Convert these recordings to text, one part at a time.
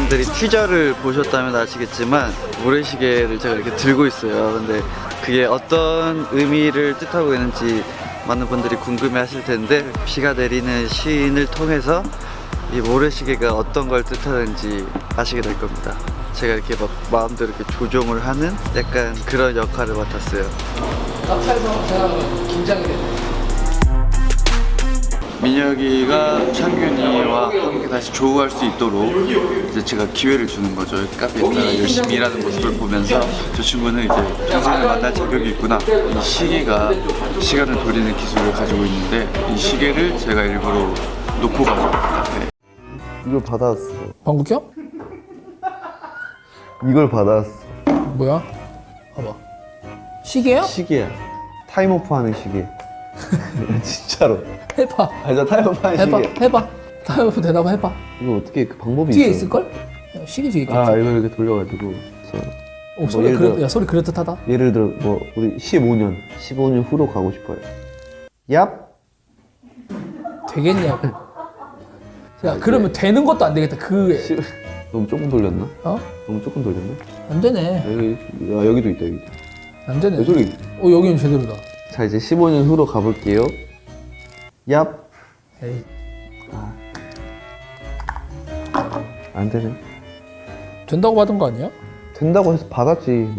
분들이 티저를 보셨다면 아시겠지만 모래시계를 제가 이렇게 들고 있어요. 근데 그게 어떤 의미를 뜻하고 있는지 많은 분들이 궁금해 하실 텐데, 비가 내리는 시인을 통해서 이 모래시계가 어떤 걸 뜻하는지 아시게 될 겁니다. 제가 이렇게 막 마음대로 이렇게 조종을 하는 약간 그런 역할을 맡았어요. 카페에서 제가 긴장이 되네. 민혁이가 창균이와 함께 다시 조우할 수 있도록 이제 제가 기회를 주는 거죠. 카페에서 열심히 일하는 모습을 보면서 저 친구는 이제 평생을 만날 자격이 있구나, 이 시계가 시간을 돌리는 기술을 가지고 있는데 이 시계를 제가 일부러 놓고 가서 카페에 이걸 받아왔어. 방귀 껴? 이걸 받아왔어. 뭐야? 봐봐. 시계야? 시계야. 타임오프 하는 시계. 진짜로. 해봐. 아니 나 타임오프 하는 해봐. 시계. 해봐. 다음부터 대답 해봐. 이거 어떻게 그 방법이 뒤에 있어? 있을걸? 야, 시계 뒤에 있겠지. 아 이거 이렇게 돌려가지고. 소리 예를 들어- 야, 소리 그럴듯하다. 예를 들어 뭐 우리 15년 후로 가고 싶어요. 얍. 되겠냐고. 야, 그러면 되는 것도 안 되겠다. 너무 조금 돌렸나? 어? 너무 조금 돌렸나? 안 되네. 여기도 있다 여기. 안 되네. 왜 소리? 여기는 제대로다. 자 이제 15년 후로 가볼게요. 얍. 에이. 안 되네. 된다고 받은 거 아니야? 된다고 해서 받았지.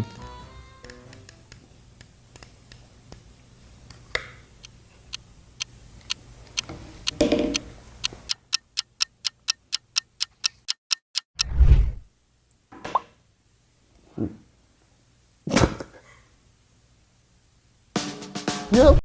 얍.